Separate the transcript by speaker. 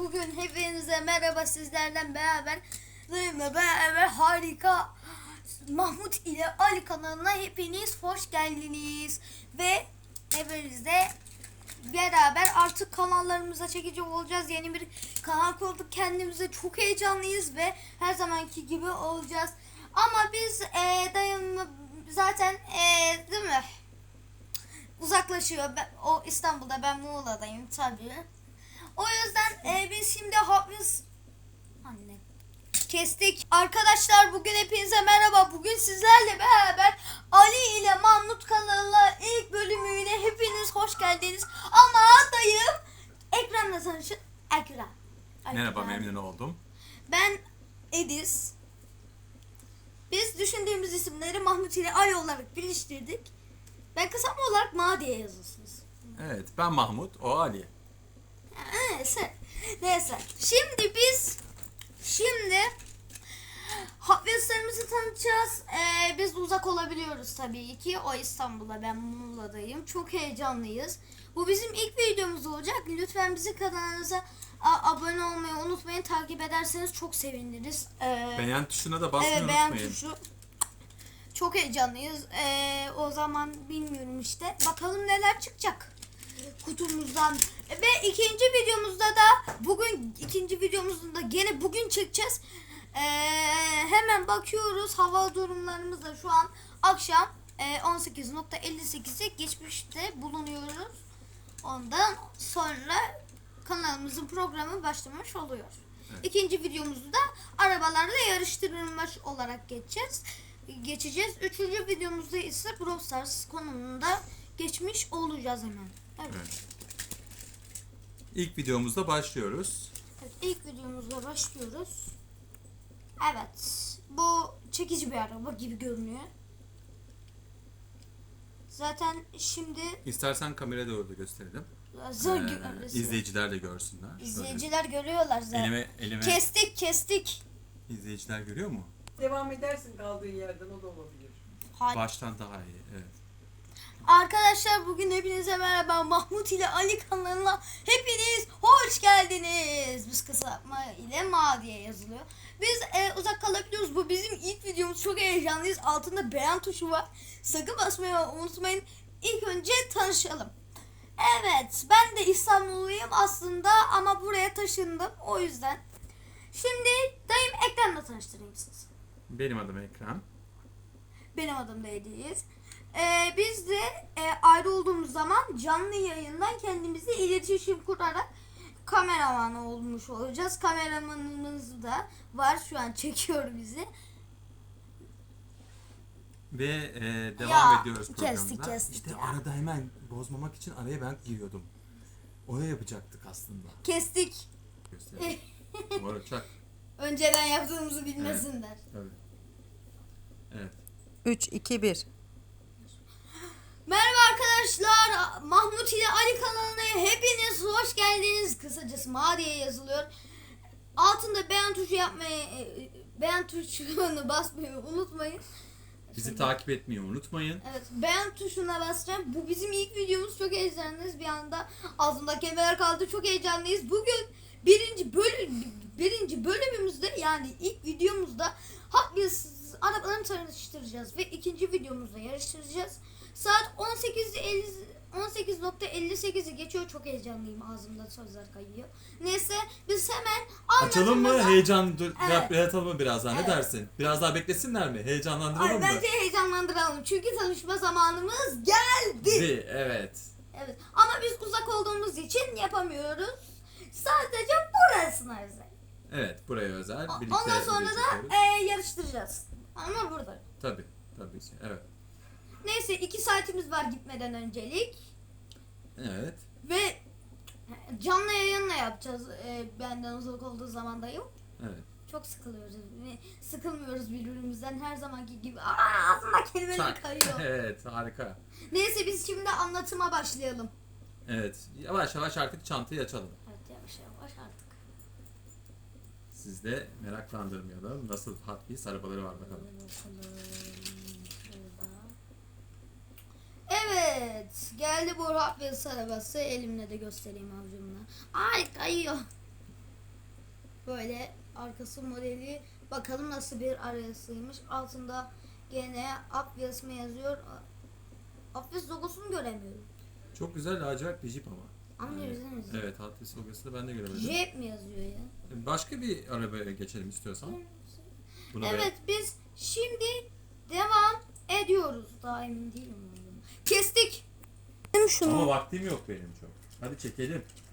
Speaker 1: bugün hepinize merhaba, sizlerden beraber benimle beraber harika Mahmut ile Ali kanalına hepiniz hoş geldiniz. Ve hepinizle beraber artık kanallarımıza çekici olacağız. Yeni bir kanal kurduk, kendimize çok heyecanlıyız ve her zamanki gibi olacağız. Ama biz dayımla zaten değil mi? Uzaklaşıyor. O İstanbul'da, ben Muğla'dayım tabii. O yüzden biz şimdi anne kestik. Arkadaşlar bugün hepinize merhaba. Bugün sizlerle beraber Ali ile Mahmut kanalına ilk bölümüne hepiniz hoş geldiniz. Ama dayım Ekrem'le tanışın. Ekrem.
Speaker 2: Merhaba, memnun oldum.
Speaker 1: Ben Ediz. Biz düşündüğümüz isimleri Mahmut ile Ali olarak birleştirdik. Ben kısaltma olarak Ma diye yazıyorsunuz.
Speaker 2: Evet, ben Mahmut, o Ali.
Speaker 1: Neyse. Şimdi Hotwheels'larımızı tanıtacağız. Biz uzak olabiliyoruz tabii ki. O İstanbul'da, ben Muğla'dayım. Çok heyecanlıyız. Bu bizim ilk videomuz olacak. Lütfen bizi kanalımıza abone olmayı unutmayın. Takip ederseniz çok seviniriz.
Speaker 2: Beğen tuşuna da basmayı
Speaker 1: evet, beğen
Speaker 2: unutmayın.
Speaker 1: tuşu. Çok heyecanlıyız. O zaman bilmiyorum işte. Bakalım neler çıkacak kutumuzdan. Ve ikinci videomuzda da gene bugün çekeceğiz. Hemen bakıyoruz. Hava durumlarımız da şu an akşam 18.58'e geçmişte bulunuyoruz. Ondan sonra kanalımızın programı başlamış oluyor. Evet. İkinci videomuzda da arabalarla yarıştırılmış olarak geçeceğiz. Üçüncü videomuzda ise Brawl Stars konumunda geçmiş olacağız hemen. Evet.
Speaker 2: İlk videomuzda başlıyoruz.
Speaker 1: Evet, ilk videomuzda başlıyoruz. Evet. Bu çekici bir araba gibi görünüyor. Zaten şimdi
Speaker 2: İstersen kameraya doğru da gösterelim. İzleyiciler de görsünler.
Speaker 1: İzleyiciler görüyorlar zaten.
Speaker 2: Elime
Speaker 1: Kestik.
Speaker 2: İzleyiciler görüyor mu?
Speaker 3: Devam edersin kaldığın yerden, o da olabilir.
Speaker 2: Baştan daha iyi, evet.
Speaker 1: Arkadaşlar bugün hepinize merhaba. Mahmut ile Ali kanalına hepiniz hoş geldiniz. Biz kısaltma ile Ma diye yazılıyor. Biz uzak kalabiliyoruz. Bu bizim ilk videomuz. Çok heyecanlıyız. Altında beğen tuşu var. Sakın basmayı unutmayın. İlk önce tanışalım. Evet, ben de İstanbulluyum aslında ama buraya taşındım. O yüzden. Şimdi dayım Ekrem'le tanıştırayım sizi.
Speaker 2: Benim adım Ekrem.
Speaker 1: Benim adım da Ediz. Biz de ayrı olduğumuz zaman canlı yayından kendimizi iletişim kurarak kameraman olmuş olacağız. Kameramanımız da var, şu an çekiyor bizi.
Speaker 2: Ve devam ediyoruz
Speaker 1: Kestik
Speaker 2: programımıza. İşte
Speaker 1: ya.
Speaker 2: arada hemen bozmamak için araya ben giriyordum. Onu yapacaktık aslında.
Speaker 1: Kestik.
Speaker 2: Gösterelim. Doğru, çak.
Speaker 1: Önceden yaptığımızı bilmesinler.
Speaker 2: Evet. Tabii. Evet.
Speaker 3: 3, 2, 1.
Speaker 1: Merhaba arkadaşlar. Mahmut ile Ali kanalına hepiniz hoş geldiniz. Kısacası Ma diye yazılıyor. Altında beğen tuşunu basmayı unutmayın.
Speaker 2: Bizi takip etmeyi unutmayın.
Speaker 1: Evet, beğen tuşuna basacağım. Bu bizim ilk videomuz. Çok heyecanlıyız. Bir anda ağzımda kelimeler kaldı. Çok heyecanlıyız. Bugün birinci bölümümüzde, yani ilk videomuzda Hot Wheels arabalarını tanıştıracağız ve ikinci videomuzda yarıştıracağız. Saat 18.58'i geçiyor. Çok heyecanlıyım. Ağzımda sözler kayıyor. Neyse biz hemen
Speaker 2: Açalım mı? Heyecan
Speaker 1: Evet.
Speaker 2: yaratalım mı biraz daha?
Speaker 1: Evet.
Speaker 2: Ne dersin? Biraz daha beklesinler mi? Heyecanlandıralım mı?
Speaker 1: bence heyecanlandıralım. Çünkü tanışma zamanımız geldi.
Speaker 2: Evet.
Speaker 1: Evet. Ama biz uzak olduğumuz için yapamıyoruz. Sadece burasına özel.
Speaker 2: Evet, buraya özel. Birlikte
Speaker 1: Ondan sonra
Speaker 2: video
Speaker 1: da
Speaker 2: çekiyoruz.
Speaker 1: yarıştıracağız. Ama burada.
Speaker 2: Tabii ki. Evet.
Speaker 1: Neyse 2 saatimiz var gitmeden öncelik.
Speaker 2: Evet.
Speaker 1: Ve canlı yayınla yapacağız. Benden uzak olduğu zaman da yok.
Speaker 2: Evet.
Speaker 1: Çok sıkılıyoruz. Sıkılmıyoruz birbirimizden her zamanki gibi. Ağzımda kelimeler kayıyor.
Speaker 2: Evet, harika.
Speaker 1: Neyse biz şimdi anlatıma başlayalım.
Speaker 2: Evet. Yavaş yavaş artık çantayı açalım.
Speaker 1: Evet, yavaş yavaş artık.
Speaker 2: Siz de meraklandırmayalım. Nasıl Hot Wheels arabaları var bakalım.
Speaker 1: Evet. Geldi bu Hot Wheels arabası. Elimle de göstereyim avcumla. Ay kayıyor. Böyle arkası modeli. Bakalım nasıl bir arayasıymış. Altında gene Obvious mı yazıyor? Obvious logosunu göremiyorum.
Speaker 2: Çok güzel lacivert bir Jeep ama.
Speaker 1: Anlıyoruz değil mi?
Speaker 2: Evet, Hot Wheels logosunu ben de göremedim.
Speaker 1: Jeep mi yazıyor ya?
Speaker 2: Başka bir arabaya geçelim istiyorsan. Buna
Speaker 1: Evet biz şimdi devam ediyoruz. Daha emin değilim. Kestik.
Speaker 2: Ama vaktim yok benim çok. Hadi çekelim.